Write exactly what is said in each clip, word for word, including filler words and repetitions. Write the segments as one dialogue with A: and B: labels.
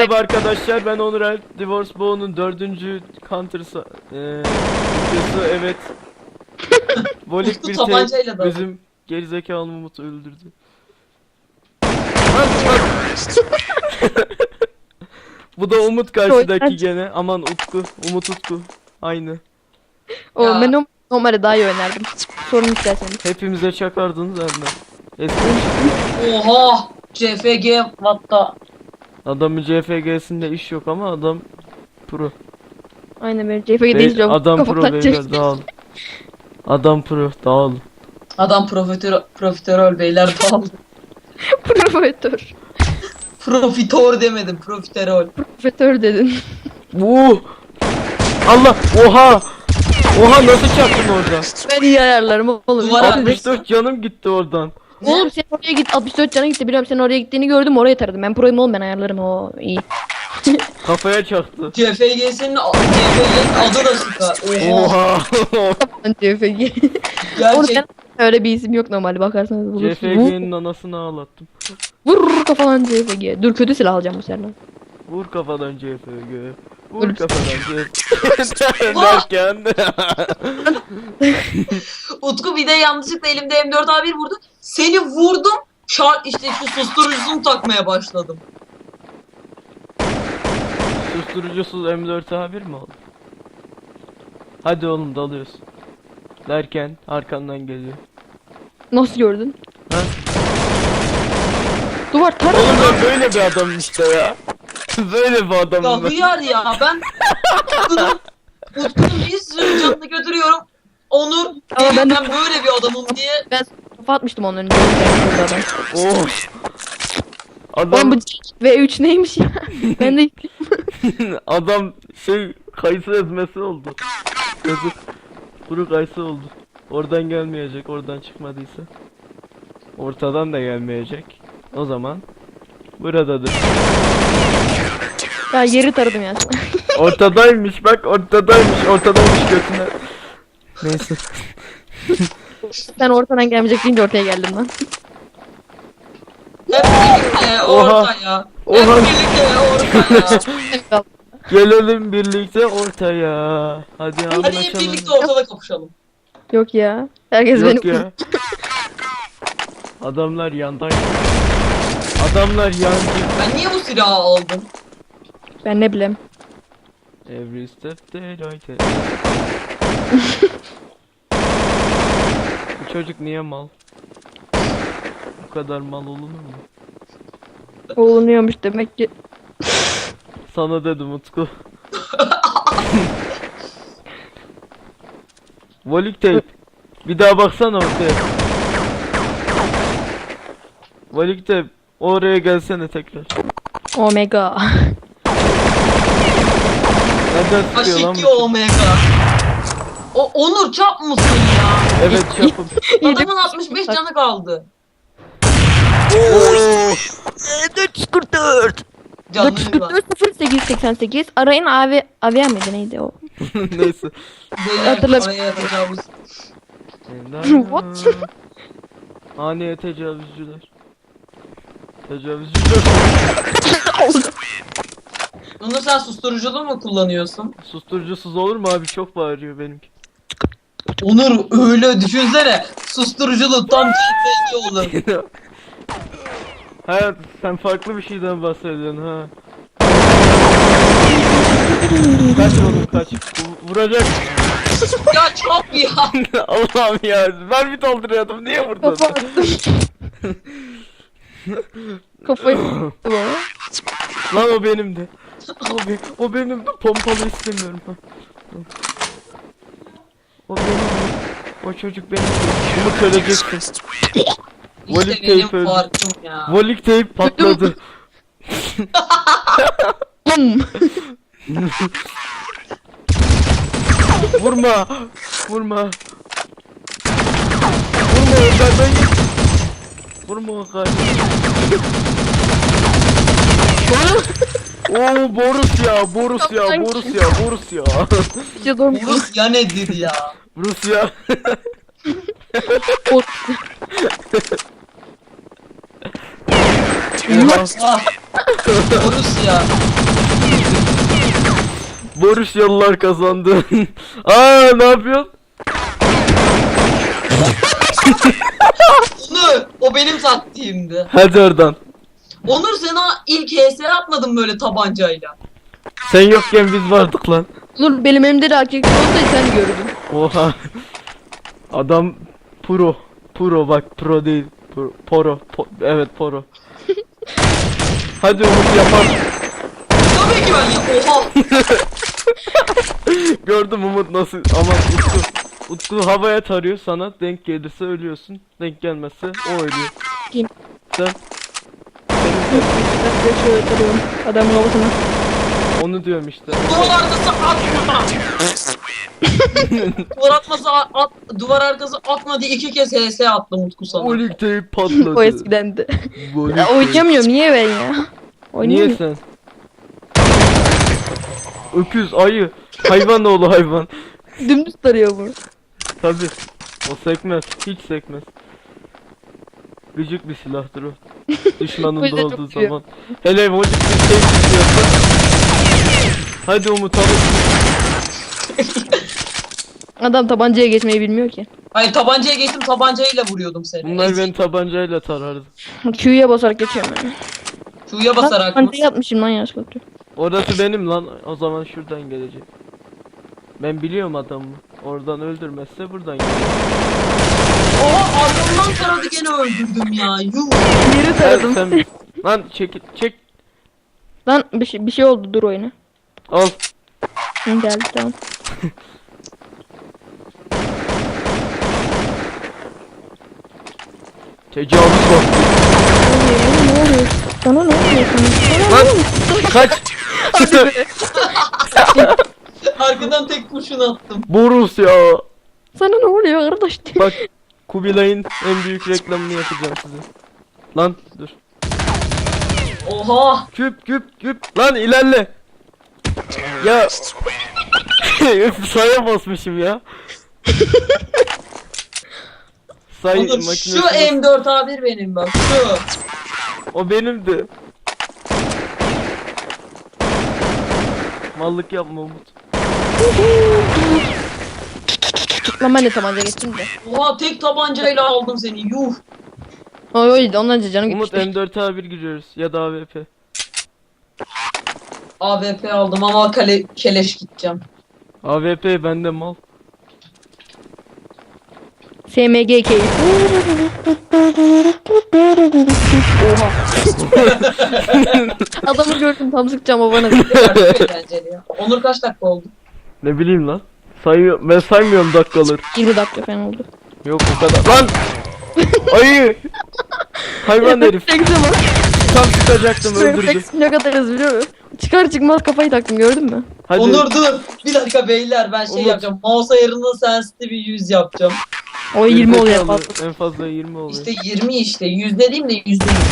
A: Merhaba arkadaşlar, ben Onur Alp. Divorce Bow'un dördüncü Counter'sı eee videosu, evet. Volik
B: Utku
A: bir
B: tabancayla
A: tek
B: daldı.
A: bizim gerizekalı Umut'u öldürdü. Bu da Umut karşıdaki gene. Aman Utku, Umut Utku. Aynı.
C: O
B: Ya.
C: ben o- normalde daha iyi oynardım. Sorun isterseniz.
A: Hepimize çakardınız benden. Eski
B: Oha! C F G vatta.
A: adamın C F G'sinde iş yok ama adam pro.
C: Aynen benim C F G
A: Be-
C: değil yok.
A: adam pro
C: Kafadan
A: beyler,
C: çekti.
A: dağıl. Adam pro, dağıl.
B: Adam profiterol, profiterol beyler dağıldı.
C: Profetör.
B: Profitör demedim, profiterol.
C: Profetör dedin.
A: Uh! Allah! Oha! Oha, nasıl çarptın orada?
C: Ben iyi ayarlarım oğlum.
B: Duvara-
A: altmış dört canım gitti oradan.
C: Oğlum sen oraya git altmış dört canı gitti biliyorum sen oraya gittiğini gördüm oraya taradım. Ben proyum oğlum ben ayarlarım o iyi.
A: Kafaya çaktı.
B: C F G'sinin C F G'nin adı da sıkar. Oha!
A: Oha!
C: C F G. Oğlum
B: Gerçek.
C: ben öyle bir isim yok normalde bakarsanız bulursunuz.
A: C F G'nin anasını ağlattım.
C: Vur, vur kafadan C F G. Dur kötü silah alacağım bu sefer lan.
A: Vur kafadan C F G. Vur
C: Vur.
A: kafadan C F G. Derken
B: Utku bir de yanlışlıkla elimde M dört A bir vurdu. Seni vurdum. Şart işte şu susturucusunu takmaya başladım.
A: susturucusuz M dört A bir mi oldu? Hadi oğlum, dalıyoruz. Derken arkandan geliyor.
C: Nasıl gördün?
A: Ha?
C: Duvar tara.
A: Oğlum ben böyle bir adamım işte ya. Böyle bir
B: Ya
A: adamım ben.
B: hıyar ya ben Utku'nun Utku'nun bir sürü canını götürüyorum. Onur
C: Ama ben
B: ben,
C: de-
B: ben böyle bir adamım diye
C: Ben kafa atmıştım onun önünde. Adam.
A: Oh.
C: Oğlum
A: Adam
C: bu V üç neymiş ya? Ben de
A: adam şey kayısı ezmesi oldu. Yazık. Kuru kayısı oldu. Oradan gelmeyecek, oradan çıkmadıysa. Ortadan da gelmeyecek. O zaman buradadır.
C: ya yeri taradım ya.
A: Ortadaymış bak, ortadaymış, ortadaymış götüne. Neyse.
C: Sen ortadan gelmeyecek deyince ortaya geldim lan.
B: hep birlikte
A: Oha.
B: ortaya. Hep
A: Oha.
B: birlikte ortaya.
A: Gelelim birlikte ortaya. Hadi
B: Hadi hep
A: anlaşalım.
B: birlikte ortada kapışalım.
C: Yok ya. Herkes
A: Yok
C: benim.
A: ya. Adamlar yandan. Adamlar yancı.
B: Ben niye bu silahı aldım?
C: Ben ne bileyim.
A: Every step they like. Bu çocuk niye mal? Bu kadar mal olunur mu?
C: Olunuyormuş demek ki.
A: Sana dedim Utku. Volik tape. Bir daha baksana ortaya. Volik tape. Oraya gelsene tekrar.
C: Omega.
A: Nereden sıkıyor lan
B: Aşiki
A: bu?
B: Omega. O Onur çap mısın ya?
A: Evet, çapım.
B: Adamın altmış beş canı kaldı.
C: dört yüz kırk dört.
B: Canlı
C: dört yüz kırk
B: var.
C: dört sıfır sekiz seksen sekiz. Arayın abi. Avia mıydı neydi o?
A: Neyse.
B: Beyler
C: Hatırla-
B: araya tecavüz.
C: What?
A: Haneye tecavüzcüler. Tecavüzcüler.
B: Onur sen susturuculu mu kullanıyorsun?
A: Susturucusuz olur mu abi? Çok bağırıyor benimki.
B: Onur öyle düşünsene. Susturuculu tam C F G olur.
A: Hayat, sen farklı bir şeyden bahsediyorsun ha. Kaç oğlum kaç. V- Vuracak.
B: Ya çap ya.
A: Allah'ım ya. Ben bir dolduruyordum. Niye vurdun?
C: Kafa attım. Kafayı attım ama.
A: Lan o benimdi. O, be o benimdi. Pompalı istemiyorum. Ha. O benimdi. O çocuk benim. Umut öleceksin. Volik
B: İşte benim
A: tape öldü.
B: farkım ya.
A: Volik tape patladı.
C: Bum.
A: Vurma. Vurma. Vurma Ömer'den git. Vurma Ömer. Oo, Borus ya, Borus ya, Borus ya, Borus ya.
C: İşte doğru.
B: Rus ya nedir ya?
A: Rusya.
C: O-
A: Oha.
B: Ah, Borussia.
A: Borusyalılar kazandı. Aa ne yapıyorsun?
B: Onur, o benim taktiğimdi.
A: Hadi oradan.
B: Onur sen ha ilk H S atmadın böyle tabancayla.
A: Sen yokken biz vardık lan.
C: Dur benim elimde de erkek olsaydı sen gördün.
A: Oha. Adam pro. Pro bak pro değil. Pro, poro. Po- evet poro. Hadi Umut yapar.
B: Tabii ki ben ya. Oha.
A: Gördüm Umut nasıl ama Utku. Utku havaya tarıyor sana denk gelirse ölüyorsun. Denk gelmezse o ölüyor.
C: Kim?
A: Sen
C: Ben de şöyle tarıyorum adamın kafasına.
A: onu diyorum işte.
B: Duvar arkası atma. Duvar atması at, at, duvar arkası atma diye iki kez H S attım Utku sana.
A: Volik teyp patladı.
C: O eskidendi.
A: Volik
C: Ya,
A: teyp.
C: oynayamıyorum niye ben ya?
A: Niye
C: Oynayamıyorum.
A: sen? Öküz, ayı, hayvan oğlu hayvan.
C: Dümdüz tarıyor bu.
A: Tabi. O sekmez. Hiç sekmez. Gıcık bir silahtır o.
C: O
A: Düşmanında
C: yüzden çok
A: olduğu
C: seviyorum.
A: zaman. Hele volik bir şey tutuyorsa. Hadi Umut alın.
C: Adam tabancaya geçmeyi bilmiyor ki.
B: Hayır tabancaya geçtim tabancayla vuruyordum seni.
A: Bunlar beni tabancayla tarardı.
C: Q'ya basarak geçiyorum ben.
B: Q'ya basarak mı?
C: Tabancayı yapmışım lan yanlışlıkla.
A: Orası benim lan. O zaman şuradan gelecek. Ben biliyorum adamı. Oradan öldürmezse buradan gelecek.
B: Oha arkamdan taradı gene öldürdüm ya. Yuh.
C: Yeri
A: Sen,
C: taradım.
A: sen... Lan çek çek.
C: Lan bir şey, bir şey oldu dur oyuna.
A: Al.
C: Hı, geldi tamam.
A: Tecavüz var.
C: Ne oluyor? Sana ne oluyor sana? Sana
A: Lan
C: ne oluyor?
A: kaç.
B: Arkadan tek kurşun attım.
A: Borus ya.
C: Sana ne oluyor kardeş?
A: Bak Kubilay'ın en büyük reklamını yapacağım size. Lan dur.
B: Oha.
A: Küp küp küp. Lan ilerle. Ya. Saya basmışım ya. Say
B: Onur
A: makinesi.
B: şu M dört A bir benim bak şu.
A: O benimdi. Mallık yapma Umut.
C: Lan ben de tabanca geçtim de.
B: Oha tek tabancayla aldım seni yuh.
C: Oy oy ondan canım
A: Umut
C: gitmişti.
A: M dört A bir giriyoruz ya da A W P.
B: A W P aldım ama kale, keleş gideceğim.
A: A W P bende mal.
C: S M G keyif. Oha. Adamı gördüm tam sıkacağım o bana.
B: Çok eğlenceli ya. Onur kaç dakika oldu?
A: Ne bileyim lan. Sayıyor, ben saymıyorum dakikaları.
C: yirmi dakika falan oldu.
A: Yok o kadar. Lan! Ayı! Hayvan herif.
C: Refleks'e bak.
A: Tam sıkacaktım öldürdüm.
C: Refleks ne kadar hızlı biliyor musun? Çıkar çıkmaz kafayı taktım gördün mü?
A: Hadi.
B: Onur dur. Bir dakika beyler ben şey
A: Umut.
B: yapacağım. Mouse ayarında sensitive yüz yapacağım.
C: O yirmi oluyor
A: Gerizekalı.
C: fazla.
A: En fazla yirmi oluyor.
B: İşte yirmi işte. Yüz dediğim de yüzde yüz.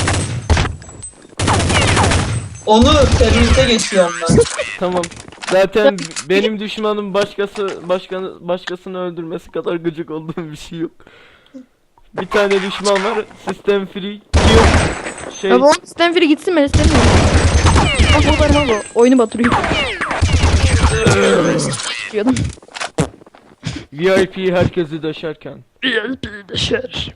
B: Onur teröriste geçiyorum ben.
A: Tamam. Zaten benim düşmanım başkası başkanı başkasını öldürmesi kadar gıcık olduğum bir şey yok. Bir tane düşman var. System free. Kill. Şey.
C: Ya bu Stanford'e gitsin ben istemiyorum. Bak o kadar mal o. Oyunu batırıyor. Diyordum.
A: V I P herkesi döşerken.
C: V I P dışarı.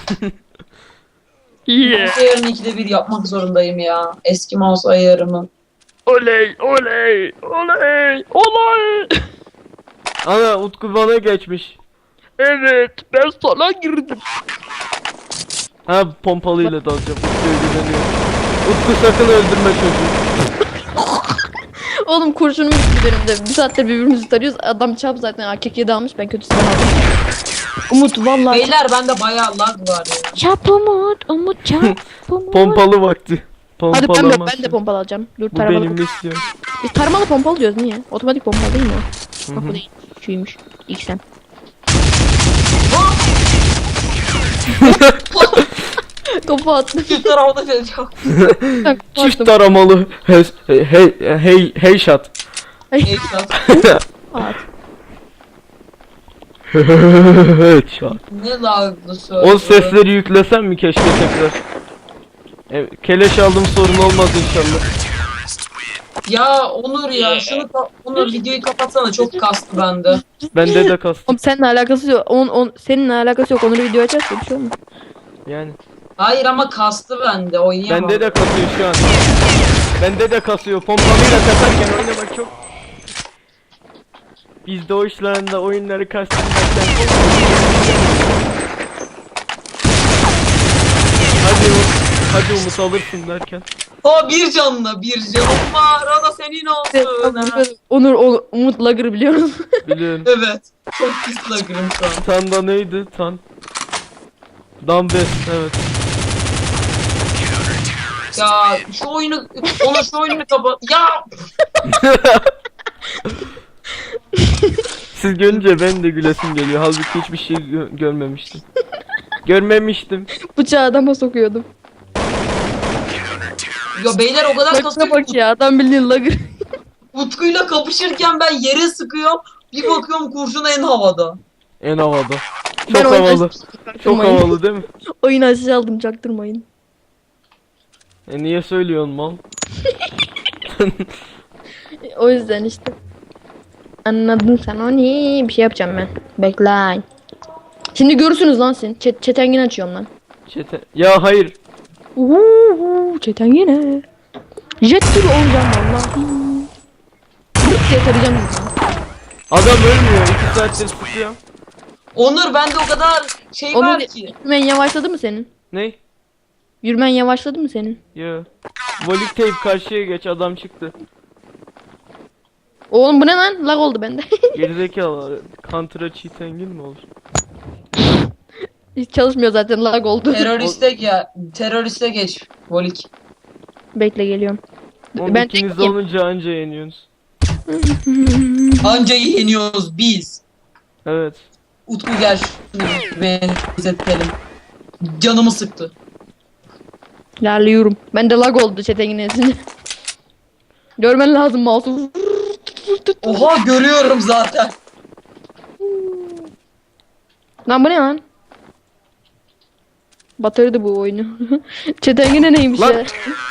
B: Mouse ayarını ikide bir yapmak zorundayım ya. Eski mouse ayarımı.
C: Oley oley oley oley.
A: Ana Utku bana geçmiş.
C: Evet ben sana girdim.
A: Ha pompalıyla dalacağım. Utku'ya güveniyorum. Utku sakın öldürme çocuğu.
C: Oğlum kurşunum gitti benim de. Bir saattir birbirimizi tarıyoruz. Adam çap zaten A K K'ye almış ben kötü silah aldım. Umut vallahi.
B: Beyler bende bayağı lag var ya.
C: Çap Umut. Umut çap Umut.
A: Pompalı vakti.
C: Hadi
A: Pompalama.
C: ben de, ben de pompalı alacağım. Dur
A: Bu
C: taramalı.
A: benim istiyorum.
C: Biz taramalı pompalı diyoruz niye? Otomatik pompalı değil mi o?
A: Hı
C: Bak
A: hı.
C: bu değil. Şuymuş. X M. Topu attım.
B: Şu tarafta şey çok.
A: Çift taramalı. Hey hey hey hey shot.
B: Headshot.
C: At.
A: Headshot.
B: Ne laglı söyle.
A: O sesleri yüklesem mi keşke tekrar? E, keleş aldım, sorun olmaz inşallah.
B: Ya Onur ya şunu ka- Onur videoyu kapatsana, çok kastı bende.
A: Bende de kastım.
C: Oğlum seninle alakası yok. On, on, seninle alakası yok. Onları video açarsa bir şey olmaz.
A: Yani.
B: Hayır ama kastı bende, oynayamam.
A: Bende de kasıyor şu an. Bende de kasıyor. Pompalıyla kasarken oynamak çok. Biz doğuşlarında oyunları kastırmaktan. Hadi Umut. Hadi Umut alırsın derken.
B: O bir canlı bir canım var, o da senin olsun.
C: Onur, Onur Umut Lagır biliyor musun?
A: Biliyorum.
B: Evet. Çok pis lagırım şu an.
A: Tan da neydi? Tan. Dumbest, evet.
B: Ya şu oyunu, Onur şu oyunu kapat. Ya
A: Siz görünce ben de gülesim geliyor. Halbuki hiçbir şey gö- görmemiştim. Görmemiştim.
C: Bıçağı adama sokuyordum.
B: ya beyler o kadar
C: Bak
B: kasıyor
C: bak
B: ki
C: ya adam bildiğin Lagır.
B: Utku'yla kapışırken ben yere sıkıyorum. Bir bakıyorum kurşun en havada.
A: En havada. Çok
C: Ben oyunu
A: havalı.
C: aç-
A: Çok
C: çaktırmayın.
A: havalı değil mi?
C: Oyunu aşağı aldım çaktırmayın.
A: E niye söylüyorsun mal?
C: O yüzden işte. Anladın sen o ne? Bir şey yapacağım ben. Bekle. Şimdi görürsünüz lan sen. Çet çetengin açıyorum lan.
A: Çete. Ya hayır.
C: Uuu çetengine. Jet gibi olacağım vallahi. Jet diye tarayacağım sizi.
A: Adam ölmüyor. iki saattir sıkıyor.
B: Onur bende o kadar şey
C: Onur,
B: var ki.
C: yürümen yavaşladı mı senin?
A: Ne?
C: Yürümen yavaşladı mı senin?
A: Ya. Volik tape karşıya geç, adam çıktı.
C: Oğlum bu ne lan? Lag oldu bende.
A: Gerizekalı. Counter'a cheat engine mi olur?
C: Hiç çalışmıyor zaten lag oldu.
B: Teröriste ya teröriste geç Volik.
C: Bekle geliyorum.
A: Oğlum
C: Ben
A: ikiniz
C: çekeyim.
A: olunca anca yeniyorsunuz.
B: Anca yeniyoruz biz.
A: Evet.
B: Utku gel şunu benzetelim. Canımı sıktı.
C: İlerliyorum. Ben de lag oldu çetengin esince. Görmen lazım mouse'u.
B: Oha görüyorum zaten.
C: Lan bu ne lan? Batırdı bu oyunu. Çetengine neymiş
A: Lan.
C: ya?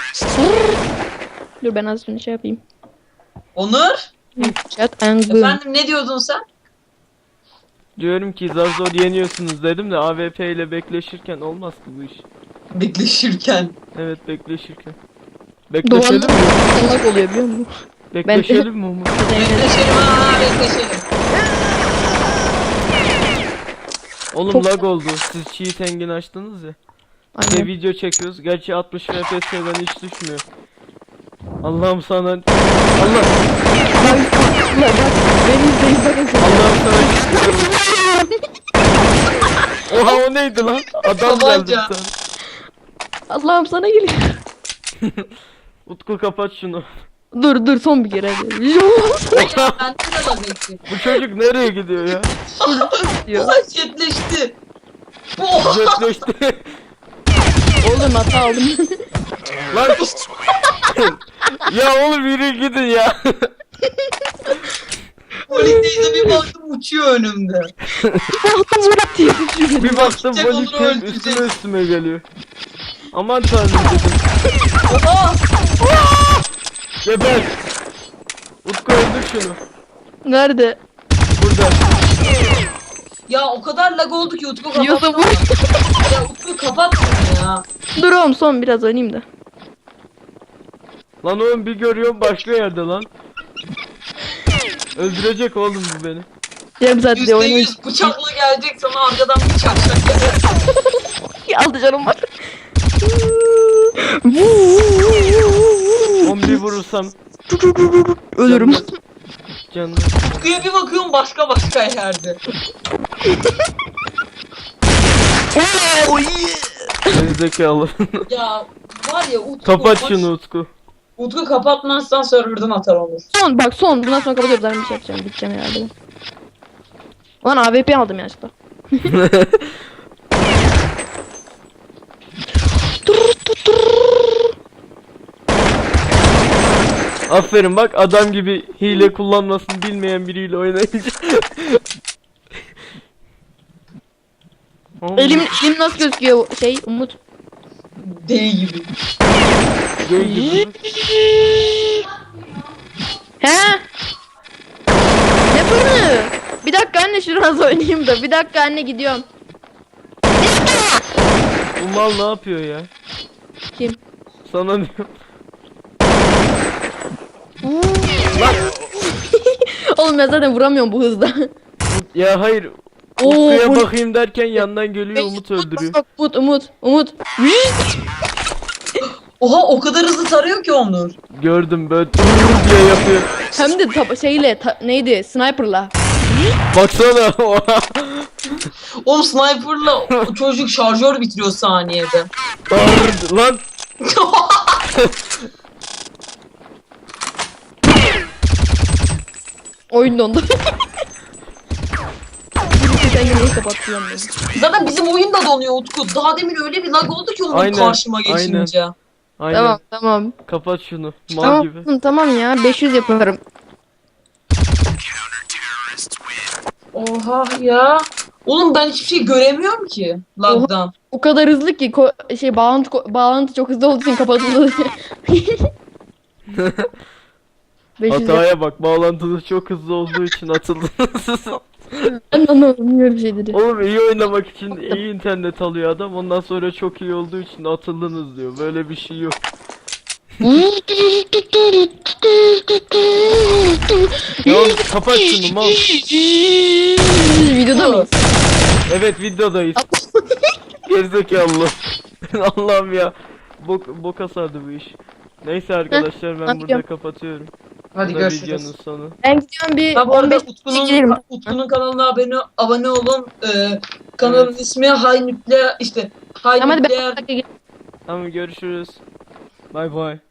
C: Dur ben az şunu şey yapayım.
B: Onur.
C: Çetengin.
B: Efendim ne diyordun sen?
A: Diyorum ki zar zor yeniyorsunuz dedim de A W P ile bekleşirken olmaz ki bu iş.
B: Bekleşirken.
A: Evet, bekleşirken. Bekleşelim
C: Duvarda
A: mi?
C: lag oluyor biliyor musun?
A: Bekleşelim mi Umut?
B: Bekleşelim ha bekleşelim.
A: Oğlum
C: Çok-
A: lag oldu. Siz cheat engine açtınız ya. Bir de
C: Aynen.
A: video çekiyoruz. Gerçi altmış F P S'den hiç düşmüyor. Allah'ım sana... Allah!
C: Bak, bak, bak, beni izleyin bakın şimdi.
A: Allah'ım sana şükür. Oha, o neydi lan? Adam
B: Tabanca.
A: geldi bir tane.
C: Allah'ım sana geliyor.
A: Utku kapat şunu.
C: Dur dur son bir kere. hadi.
B: Ya bende de lag etti.
A: Bu çocuk nereye gidiyor ya?
C: Diyor.
B: Oha jetleşti. Oha.
A: Jetleşti.
C: Oğlum hata aldım.
A: Lan! Ya oğlum yürü gidin ya.
B: Volik teyze bir baktım uçuyor önümde.
C: Hata Murat diye düşüyor.
A: Bir baktım
B: Gidecek
A: Volik
B: onu
A: tape
B: öldürecek.
A: üstüme üstüme geliyor. Aman tanrım dedim.
B: Oha.
A: Geber. Utku öldür şunu.
C: Nerede?
A: Burada.
B: Ya o kadar lag oldu ki Utku kapat.
C: Yiyorsa vur.
B: Ya Utku kapat şunu ya.
C: Dur oğlum son biraz oynayayım da.
A: Lan oğlum bir görüyorum başka yerde lan. Öldürecek oğlum bu beni.
C: Yarım saat diye
B: Yüzde
C: oynayayım.
B: yüz bıçakla gelecek sana arkadan bıçak şaka.
C: Aldı canım var.
A: On bir vurursam
C: Ölürüm.
A: canım.
B: Utku'ya bir bakıyorum başka başka yerde.
A: Gerizekalı.
B: Ya var ya Utku.
A: Kapat
B: baş-
A: şunu Utku.
B: Utku kapatmazsan serverdan atar olur.
C: Son bak son bundan sonra kapatıyoruz. Zaten bir şey yapacağım. Gideceğim herhalde. ben. Ulan A W P aldım yanlışlıkla.
A: Aferin bak, adam gibi hile kullanmasını bilmeyen biriyle oynayınca. Oğlum,
C: Elim elim nasıl gözüküyor şey Umut?
B: Deli gibi.
A: Göl gibi.
C: He? Ne fırını? Bir dakika anne şurası oynayayım da. Bir dakika anne gidiyorum.
A: Bu mal ne yapıyor ya?
C: Kim?
A: Sana diyorum.
C: Oğlum ben zaten vuramıyorum bu hızda.
A: Ya hayır.
C: Oo,
A: Utku'ya
C: bu-
A: bakayım derken yandan geliyor Umut öldürüyor.
C: Bak, Umut, Umut, Umut.
B: Oha o kadar hızlı tarıyor ki Onur.
A: Gördüm böyle diye yapıyor.
C: Hem de tapa- şeyle ta- neydi? Sniper'la.
A: Baksana.
B: Oğlum sniper'la o çocuk şarjör bitiriyor saniyede.
A: Bağırdı lan.
C: Oyun dondu. Sen yine kapatacağım beni.
B: Zaten bizim oyun da donuyor Utku. Daha demin öyle bir lag oldu ki onun
A: Aynen,
B: karşıma geçince.
A: Aynen.
C: Tamam tamam.
A: Kapat şunu. Mal
C: Tamam
A: gibi.
C: tamam, tamam ya beş yüz yaparım.
B: Oha ya. Oğlum ben hiçbir şey göremiyorum ki lagdan.
C: O kadar hızlı ki ko- şey bağlantı ko- bağlantı çok hızlı olduğu için kapatıldı. beş yüz yap-
A: Hataya bak. Bağlantısı çok hızlı olduğu için atıldınız.
C: Ben de anlamadım böyle şeyleri.
A: Oğlum iyi oynamak için iyi internet alıyor adam. Ondan sonra çok iyi olduğu için atıldınız diyor. Böyle bir şey yok. Ya oğlum kapat şunu mal.
C: Videoda mıyız?
A: Evet videodayız. Gerizekalı. Allah'ım ya. Bok, boka sardı bu iş. Neyse arkadaşlar ben
C: hadi
A: burada
C: gel.
A: kapatıyorum.
B: Hadi
A: Bu da
B: görüşürüz.
A: videonun sonu.
C: Ben gidiyorum bir
B: Ha bu arada
C: on beş
B: Utku'nun,
C: girelim.
B: Utku'nun kanalına abone, abone olun. Ee, kanalın
A: Evet.
B: ismi High Nükleer işte High
C: Ama hadi
B: Nükleer
C: ben
A: Tamam görüşürüz. Bay bay.